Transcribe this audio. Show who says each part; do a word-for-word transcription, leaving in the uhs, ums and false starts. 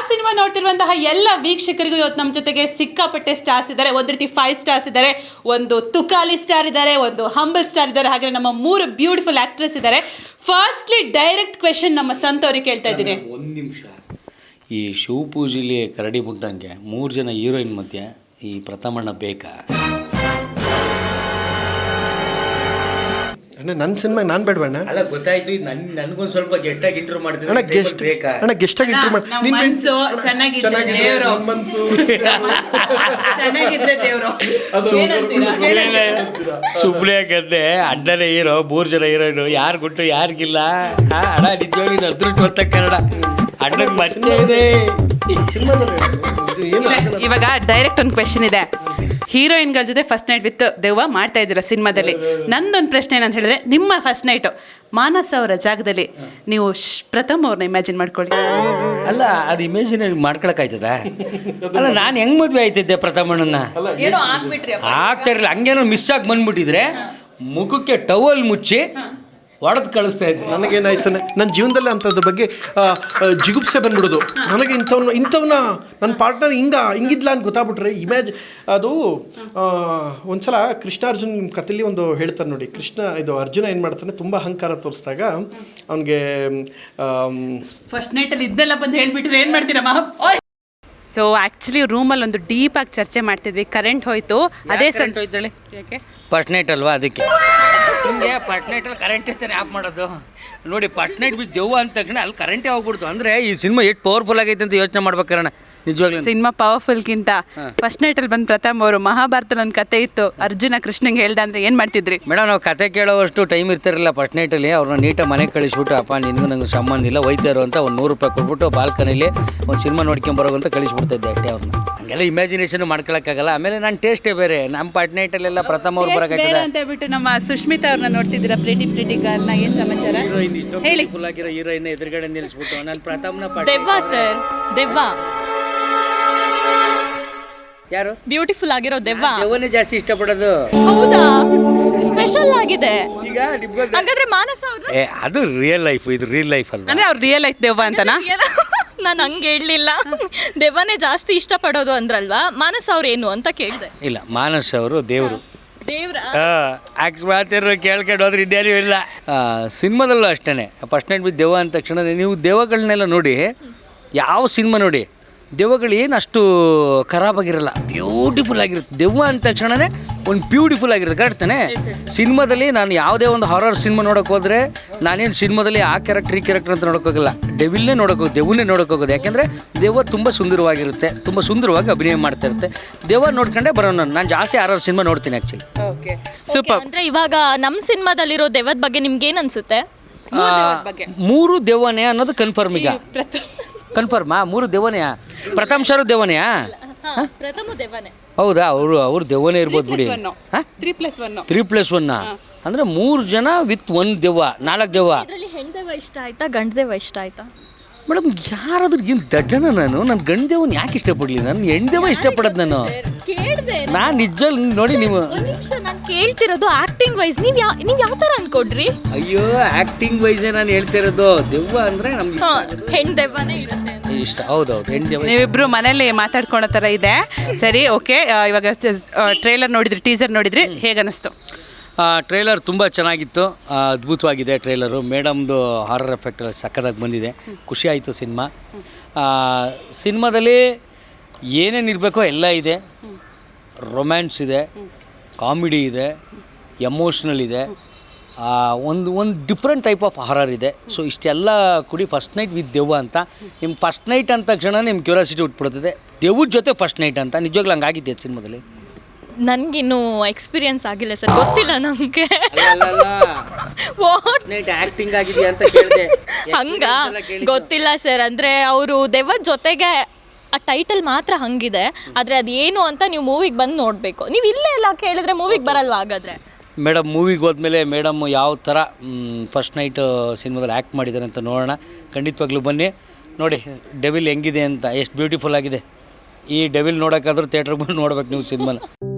Speaker 1: Cinema ನೋಡ್ತಿರುವಂತಹ ಎಲ್ಲ ವೀಕ್ಷಕರಿಗೂ ಇವತ್ತು ನಮ್ಮ ಜೊತೆಗೆ ಸಿಕ್ಕಾಪಟ್ಟೆ ಸ್ಟಾರ್ಸ್ ಇದ್ದಾರೆ. ಒಂದು ರೀತಿ ಫೈವ್ ಸ್ಟಾರ್ಸ್ ಇದ್ದಾರೆ, ಒಂದು ತುಕಾಲಿ ಸ್ಟಾರ್ ಇದ್ದಾರೆ, ಒಂದು ಹಂಬಲ್ ಸ್ಟಾರ್ ಇದ್ದಾರೆ, ಹಾಗೆ ನಮ್ಮ ಮೂರು ಬ್ಯೂಟಿಫುಲ್ ಆಕ್ಟ್ರೆಸ್ ಇದ್ದಾರೆ. ಫಸ್ಟ್ಲಿ ಡೈರೆಕ್ಟ್ ಕ್ವೆಶನ್ ನಮ್ಮ ಸಂತ ಅವ್ರಿಗೆ ಕೇಳ್ತಾ ಇದ್ದೀನಿ.
Speaker 2: ಒಂದು ನಿಮಿಷ, ಈ ಶಿವಪೂಜೆಲಿ ಕರಡಿ ಮುಟ್ಟಂಗೆ ಮೂರು ಜನ ಹೀರೋಯಿನ್ ಮಧ್ಯೆ ಈ ಪ್ರಥಮಣ್ಣ ಬೇಕಾ?
Speaker 3: ಅಣ್ಣ ನನ್ನ ಸಿನಿಮಾಗೆ ನಾನು ಬೇಡವಣ್ಣ.
Speaker 2: ಅಲ್ಲ ಗೊತ್ತಾಯ್ತು, ಇದು ನನ್ನ ನನಗೊಂದು ಸ್ವಲ್ಪ ಗೆಸ್ಟಾಗಿ ಇಂಟರ್ವ್ಯೂ ಮಾಡ್ತೀನಿ.
Speaker 3: ಅಣ್ಣ ಗೆಸ್ಟ್ ಬೇಕಾ? ಅಣ್ಣ ಗೆಸ್ಟಾಗಿ ಇಂಟರ್ವ್ಯೂ ಮಾಡಿ.
Speaker 1: ನಿಮ್ಮ ಮನಸ್ಸು ಚೆನ್ನಾಗಿದ್ರೆ ದೇವರು,
Speaker 3: ಮನಸ್ಸು
Speaker 1: ಚೆನ್ನಾಗಿದ್ರೆ ದೇವರು.
Speaker 2: ಸುಮ್ಮನೆ ಗದ್ದೆ ಅಣ್ಣನೇ ಹೀರೋ, ಮೂರು ಜನ ಹೀರೋಯಿನು, ಯಾರು ಗುಟ್ಟು ಯಾರಿಗಿಲ್ಲ. ಅಣ್ಣ ನಿಜವಾಗಿ ನೀನು ಅದೃಷ್ಟ ಹೊತ್ತ ಕನ್ನಡ ಅಣ್ಣಗೆ ಮತ್ತೆ ಇದೆ.
Speaker 1: ಇವಾಗ ಡೈರೆಕ್ಟ್ ಒಂದು ಕ್ವೆಶನ್ ಇದೆ. ಹೀರೋಯಿನ್ಗಳ ಜೊತೆ ಫಸ್ಟ್ ನೈಟ್ ವಿತ್ ದೆವ್ವ ಮಾಡ್ತಾ ಇದ್ದೀರಾ ಸಿನಿಮಾದಲ್ಲಿ. ನಂದೊಂದು ಪ್ರಶ್ನೆ ಏನಂತ ಹೇಳಿದ್ರೆ, ನಿಮ್ಮ ಫಸ್ಟ್ ನೈಟು ಮಾನಸ ಅವರ ಜಾಗದಲ್ಲಿ ನೀವು ಪ್ರಥಮ್ ಅವ್ರನ್ನ ಇಮ್ಯಾಜಿನ್ ಮಾಡ್ಕೊಳ್ಳಿ.
Speaker 2: ಅಲ್ಲ ಅದು ಇಮೇಜಿನ್ ಮಾಡ್ಕೊಳಕ್ಕಾಯ್ತದ? ಅಲ್ಲ ನಾನು ಹೆಂಗ್ ಮದ್ವೆ ಆಯ್ತಿದ್ದೆ ಪ್ರಥಮಣ್ಣನ? ಆಗ್ತಾ ಇರಲಿಲ್ಲ. ಹಂಗೇನೋ ಮಿಸ್ ಆಗಿ ಬಂದ್ಬಿಟ್ಟಿದ್ರೆ ಮುಖಕ್ಕೆ ಟವಲ್ ಮುಚ್ಚಿ ಹೊಡೆದು ಕಳಿಸ್ತಾ ಇದ್ದೆ.
Speaker 3: ನನಗೇನಾಯ್ತು, ನನ್ನ ಜೀವನದಲ್ಲಿ ಅಂಥದ್ರ ಬಗ್ಗೆ ಜಿಗುಪ್ಸೆ ಬಂದ್ಬಿಡೋದು. ನನಗೆ ಇಂಥವ್ನ ಇಂಥವ್ನ ನನ್ನ ಪಾರ್ಟ್ನರ್ ಹಿಂಗ ಹಿಂಗಿದ್ಲ ಅಂತ ಗೊತ್ತಾಗ್ಬಿಟ್ರೆ ಇಮ್ಯಾಜ್ ಅದು ಒಂದ್ಸಲ ಕೃಷ್ಣಾರ್ಜುನ್ ನಿಮ್ಮ ಕಥೆಯಲ್ಲಿ ಒಂದು ಹೇಳ್ತಾರೆ ನೋಡಿ. ಕೃಷ್ಣ ಇದು ಅರ್ಜುನ ಏನು ಮಾಡ್ತಾನೆ, ತುಂಬ ಅಹಂಕಾರ ತೋರಿಸಿದಾಗ ಅವನಿಗೆ
Speaker 1: ಫಸ್ಟ್ ನೈಟಲ್ಲಿ ಇದ್ದೆಲ್ಲ ಬಂದು ಹೇಳ್ಬಿಟ್ರೆ ಏನು ಮಾಡ್ತೀರಮ್ಮ? ಸೊ ಆ್ಯಕ್ಚುಲಿ ರೂಮಲ್ಲಿ ಒಂದು ಡೀಪಾಗಿ ಚರ್ಚೆ ಮಾಡ್ತಿದ್ವಿ, ಕರೆಂಟ್ ಹೋಯ್ತು. ಅದೇ ಸಂತ ಹೋಯ್ತಾಳೆ ಯಾಕೆ
Speaker 2: ಫಸ್ಟ್ ನೈಟ್ ಅಲ್ವಾ, ಅದಕ್ಕೆ ನಿಮಗೆ ಫಸ್ಟ್ ನೈಟಲ್ಲಿ ಕರೆಂಟ್ ಇರ್ತಾನೆ ಆಫ್ ಮಾಡೋದು ನೋಡಿ. ಫಸ್ಟ್ ನೈಟ್ ಬಿದ್ದು ದೆವ್ವ ಅಂತ ತಕ್ಷಣ ಅಲ್ಲಿ ಕರೆಂಟೇ ಹೋಗ್ಬಿಡ್ತು. ಅಂದರೆ ಈ ಸಿನಿಮಾ ಎಷ್ಟು ಪವರ್ಫುಲ್ ಆಗೈತೆ ಅಂತ ಯೋಚನೆ ಮಾಡ್ಬೇಕಾರಣ. ನಿಜವಾಗ್ಲೂ
Speaker 1: ಸಿನಿಮಾ ಪವರ್ಫುಲ್ಗಿಂತ ಫಸ್ಟ್ ನೈಟಲ್ಲಿ ಬಂದು ಪ್ರಥಮ್ ಅವರು ಮಹಾಭಾರತದಲ್ಲಿ ಒಂದು ಕತೆ ಇತ್ತು, ಅರ್ಜುನ ಕೃಷ್ಣಂಗೆ ಹೇಳ್ದ ಅಂದರೆ ಏನು ಮಾಡ್ತಿದ್ರಿ?
Speaker 2: ಮೇಡಮ್ ನಾವು ಕತೆ ಕೇಳೋವಷ್ಟು ಟೈಮ್ ಇರ್ತಿರಲಿಲ್ಲ. ಫಸ್ಟ್ ನೈಟಲ್ಲಿ ಅವ್ರನ್ನ ನೀಟಾಗಿ ಮನೆಗೆ ಕಳಿಸ್ಬಿಟ್ಟು, ಅಪ್ಪ ನಿನಗೂ ನಂಗೆ ಸಂಬಂಧ ಇಲ್ಲ, ಒಯ್ತಾರೋ ಅಂತ ಒಂದು ನೂರು ರೂಪಾಯಿ ಕೊಟ್ಬಿಟ್ಟು ಬಾಲ್ಕನಿಲಿ ಒಂದು ಸಿನಿಮಾ ನೋಡ್ಕೊಂಬರೋ ಅಂತ ಕಳಿಸ್ಬಿಡ್ತಿದ್ದೆ ಅಷ್ಟೇ ಅವ್ರನ್ನ. ಹಂಗೆಲ್ಲ ಇಮ್ಯಾಜಿನೇಷನ್ ಮಾಡ್ಕೊಳಕ್ಕಾಗಲ್ಲ. ಆಮೇಲೆ ನಾನು ಟೇಸ್ಟೇ ಬೇರೆ. ನಮ್ಮ ಫಸ್ಟ್ ನೈಟಲ್ಲೆಲ್ಲ ಪ್ರಥಮ ಅವ್ರು ಬರೋಕ್ಕಾಗ್ತದೆ
Speaker 1: ಅಂತ ಹೇಳ್ಬಿಟ್ಟು ನಮ್ಮ ಸುಷ್ಮಿತಾ ಅವ್ರನ್ನ ನೋಡ್ತಿದ್ದೀರಾ, ಪ್ರೀಟಿ ಪ್ರೀಟಿ ಗರ್ಲ್ನ. ಏನು ಸಮಾಚಾರ ಹೇಳಿ?
Speaker 2: ಫುಲ್ ಆಗಿರೋ ಹೀರೋಯಿನ್ ಎದುರುಗಡೆ ನಿಲ್ಲಿಸ್ಬಿಟ್ಟು ನಾನು ಪ್ರಥಮನ
Speaker 4: ದೆವ್ವ ಸರ್, ದೆವ್ವ
Speaker 2: ಯಾರು
Speaker 4: ಬ್ಯೂಟಿಫುಲ್ ಆಗಿರೋ ದೆವ್ವ.
Speaker 2: ದೆವ್ವನೇ ಜಾಸ್ತಿ ಇಷ್ಟಪಡೋದು.
Speaker 4: ಹೌದಾ? ಸ್ಪೆಷಲ್ ಆಗಿದೆ.
Speaker 2: ಈಗ
Speaker 4: ಹಾಗಾದ್ರೆ ಮಾನಸ ಅವರು
Speaker 2: ಏ ಅದು ರಿಯಲ್ ಲೈಫ್, ಇದು ರಿಯಲ್ ಲೈಫ್ ಅಲ್ವಾ?
Speaker 1: ಅಂದ್ರೆ ಅವ್ರು ರಿಯಲ್ ಲೈಫ್ ದೆವ್ವ ಅಂತನಾ?
Speaker 4: ನಾನು ಹಂಗೆ ಹೇಳಲಿಲ್ಲ. ದೆವ್ವನೇ ಜಾಸ್ತಿ ಇಷ್ಟಪಡೋದು ಅಂದ್ರಲ್ವಾ, ಮಾನಸ ಅವ್ರು ಏನು ಅಂತ ಕೇಳಿದೆ.
Speaker 2: ಇಲ್ಲ, ಮಾನಸ್ ಅವರು ದೇವರು.
Speaker 4: ದೇವ್ರ
Speaker 2: ಆಕ್ಸ್ ಮಾತಿರೋ ಕೇಳ್ಕೊಂಡು ಹೋದ್ರೆ ಇನ್ನೇನು ಇಲ್ಲ. ಸಿನಿಮಾದಲ್ಲೂ ಅಷ್ಟೇ, ಫಸ್ಟ್ ನೈಟ್ ಬಿದ್ದು ದೆವ್ವ ಅಂದ ತಕ್ಷಣ ನೀವು ದೆವ್ವಗಳನ್ನೆಲ್ಲ ನೋಡಿ, ಯಾವ ಸಿನಿಮಾ ನೋಡಿ ದೆವ್ವಗಳು ಏನು ಅಷ್ಟು ಖರಾಬಾಗಿರಲ್ಲ, ಬ್ಯೂಟಿಫುಲ್ ಆಗಿರುತ್ತೆ. ದೆವ್ವ ಅಂದ ತಕ್ಷಣವೇ ಒಂದು ಬ್ಯೂಟಿಫುಲ್ ಆಗಿರುತ್ತೆ, ಕರೆಕ್ಟ್ ತಾನೆ? ಸಿನಿಮಾದಲ್ಲಿ ನಾನು ಯಾವುದೇ ಒಂದು ಹಾರರ್ ಸಿನಿಮಾ ನೋಡೋಕೆ ಹೋದರೆ ನಾನೇನು ಸಿನಿಮಾದಲ್ಲಿ ಆ ಕ್ಯಾರೆಕ್ಟರ್ ಈ ಕ್ಯಾರೆಕ್ಟರ್ ಅಂತ ನೋಡೋಕ್ಕೋಗಲ್ಲ, ಡೆವಿಲ್ನೇ ನೋಡೋಕೆ ಹೋಗೋದು, ದೆವ್ವನ್ನೇ ನೋಡೋಕೆ ಹೋಗೋದು. ಯಾಕೆಂದರೆ ದೆವ್ವ ತುಂಬ ಸುಂದರವಾಗಿರುತ್ತೆ, ತುಂಬ ಸುಂದರವಾಗಿ ಅಭಿನಯ ಮಾಡ್ತಾ ಇರುತ್ತೆ. ದೆವ್ವ ನೋಡ್ಕೊಂಡೆ ಬರೋಣ. ನಾನು ಜಾಸ್ತಿ ಹಾರರ್ ಸಿನಿಮಾ ನೋಡ್ತೀನಿ ಆ್ಯಕ್ಚುಲಿ.
Speaker 1: Okay, super.
Speaker 4: ಅಂದರೆ ಇವಾಗ ನಮ್ಮ ಸಿನಿಮಾದಲ್ಲಿರೋ ದೆವ್ವದ ಬಗ್ಗೆ ನಿಮ್ಗೆ ಏನು ಅನಿಸುತ್ತೆ?
Speaker 2: ಮೂರು ದೆವ್ವನೇ ಅನ್ನೋದು ಕನ್ಫರ್ಮ್. ಈಗ ಕನ್ಫರ್ಮಾ? ಮೂರು ದೆವ್ವನೆಯಾ? ಪ್ರಥಮ್ ಸರ್ ದೆವ್ವನೆಯಾ?
Speaker 4: ಪ್ರಥಮ ದೆವ್ವನೇ.
Speaker 2: ಹೌದಾ? ಅವರು ಅವ್ರು ದೆವ್ವನೇ ಇರ್ಬೋದು ಬಿಡಿ.
Speaker 1: Three plus one
Speaker 2: three plus ಒನ್ನ ಅಂದರೆ ಮೂರು ಜನ ವಿತ್ ಒಂದು ದೆವ್ವ, ನಾಲ್ಕು ದೆವ್ವ.
Speaker 4: ಇದರಲ್ಲಿ ಹೆಣ್ಣು ದೆವ್ವ ಇಷ್ಟ ಆಯ್ತಾ, ಗಂಡು ದೆವ್ವ ಇಷ್ಟ ಆಯ್ತಾ?
Speaker 2: ಮೇಡಮ್ ಯಾರಾದ್ರೂ ಏನು ದಡ್ಡನ ನಾನು? ನಾನು ಗಂಡು ದೇವನ ಯಾಕೆ ಇಷ್ಟಪಡಲಿ? ನಾನು ಹೆಣ್ಣು ದೇವ ಇಷ್ಟಪಡೋದು. ನಾನು
Speaker 4: ಕೇಳಿದೆ
Speaker 2: ನಾನು ನಿಜಲ್ಲಿ ನೋಡಿ. ನೀವು
Speaker 4: ಒಂದು ನಿಮಿಷ, ನಾನು ಕೇಳ್ತಿರೋದು ಆಕ್ಟಿಂಗ್ ವೈಸ್ ನೀವು ಯಾವ ನೀವು ಯಾವ ಥರ ಅನ್ಕೊಡ್ರಿ?
Speaker 2: ಅಯ್ಯೋ, ಆ್ಯಕ್ಟಿಂಗ್ ವೈಸೇ ನಾನು ಹೇಳ್ತಿರೋದು. ದೆವ್ವ ಅಂದರೆ ನಮ್ಗೆ
Speaker 4: ಹೆಣ್ಣು ದೆವ್ವನೇ ಇರುತ್ತೆ
Speaker 2: ಇಷ್ಟ. ಹೌದೌದು, ಹೆಣ್ಣು ದೆವ್ವ.
Speaker 1: ನೀವಿಬ್ರು ಮನೇಲಿ ಮಾತಾಡ್ಕೊಳ್ಳೋ ಥರ ಇದೆ. ಸರಿ, ಓಕೆ. ಇವಾಗ ಟ್ರೇಲರ್ ನೋಡಿದ್ರಿ, ಟೀಸರ್ ನೋಡಿದ್ರಿ, ಹೇಗನ್ನಿಸ್ತು?
Speaker 2: ಟ್ರೇಲರ್ ತುಂಬ ಚೆನ್ನಾಗಿತ್ತು, ಅದ್ಭುತವಾಗಿದೆ ಟ್ರೇಲರು. ಮೇಡಮ್ದು ಹಾರರ್ ಎಫೆಕ್ಟ್ ಸಕ್ಕತ್ತಾಗಿ ಬಂದಿದೆ, ಖುಷಿ ಆಯಿತು ಸಿನಿಮಾ. ಸಿನಿಮಾದಲ್ಲಿ ಏನೇನು ಇರಬೇಕೋ ಎಲ್ಲ ಇದೆ. ರೊಮ್ಯಾನ್ಸ್ ಇದೆ, ಕಾಮಿಡಿ ಇದೆ, ಎಮೋಷ್ನಲ್ ಇದೆ, ಒಂದು ಒಂದು ಡಿಫ್ರೆಂಟ್ ಟೈಪ್ ಆಫ್ ಹಾರರ್ ಇದೆ. ಸೊ ಇಷ್ಟೆಲ್ಲ ಕೂಡಿ ಫಸ್ಟ್ ನೈಟ್ ವಿತ್ ದೆವ್ವ ಅಂತ. ನಿಮ್ಮ ಫಸ್ಟ್ ನೈಟ್ ಅಂದ ತಕ್ಷಣ ನಿಮ್ಮ ಕ್ಯೂರಿಯಾಸಿಟಿ ಹುಟ್ಬಿಡ್ತದೆ, ದೆವ್ವದ ಜೊತೆ ಫಸ್ಟ್ ನೈಟ್ ಅಂತ. ನಿಜವಾಗ್ಲೂ ಹಂಗಾಗಿದ್ದೆ ಸಿನಿಮಾದಲ್ಲಿ.
Speaker 4: ನನಗಿನ್ನೂ ಎಕ್ಸ್ಪೀರಿಯನ್ಸ್ ಆಗಿಲ್ಲ ಸರ್, ಗೊತ್ತಿಲ್ಲ ನನಗೆ.
Speaker 2: ಆಕ್ಟಿಂಗ್ ಆಗಿದೆ ಅಂತ ಕೇಳಿದೆ.
Speaker 4: ಹಂಗ ಗೊತ್ತಿಲ್ಲ ಸರ್. ಅಂದರೆ ಅವರು ದೆವ್ವದ ಜೊತೆಗೆ ಆ ಟೈಟಲ್ ಮಾತ್ರ ಹಂಗಿದೆ, ಆದರೆ ಅದೇನು ಅಂತ ನೀವು ಮೂವಿಗೆ ಬಂದು ನೋಡಬೇಕು. ನೀವು ಇಲ್ಲೇ ಎಲ್ಲ ಕೇಳಿದ್ರೆ ಮೂವಿಗೆ ಬರಲ್ವಾ ಹಾಗಾದರೆ?
Speaker 2: ಮೇಡಮ್ ಮೂವಿಗೆ ಹೋದ್ಮೇಲೆ ಮೇಡಮ್ ಯಾವ ಥರ ಫಸ್ಟ್ ನೈಟ್ ಸಿನಿಮಾದಲ್ಲಿ ಆ್ಯಕ್ಟ್ ಮಾಡಿದ್ದಾರೆ ಅಂತ ನೋಡೋಣ. ಖಂಡಿತವಾಗ್ಲೂ ಬನ್ನಿ ನೋಡಿ ಡೆವಿಲ್ ಹೆಂಗಿದೆ ಅಂತ, ಎಷ್ಟು ಬ್ಯೂಟಿಫುಲ್ ಆಗಿದೆ. ಈ ಡೆವಿಲ್ ನೋಡೋಕ್ಕಾದ್ರೂ ಥಿಯೇಟ್ರಿಗೆ ಬಂದು ನೋಡ್ಬೇಕು ನೀವು ಸಿನಿಮಾನ.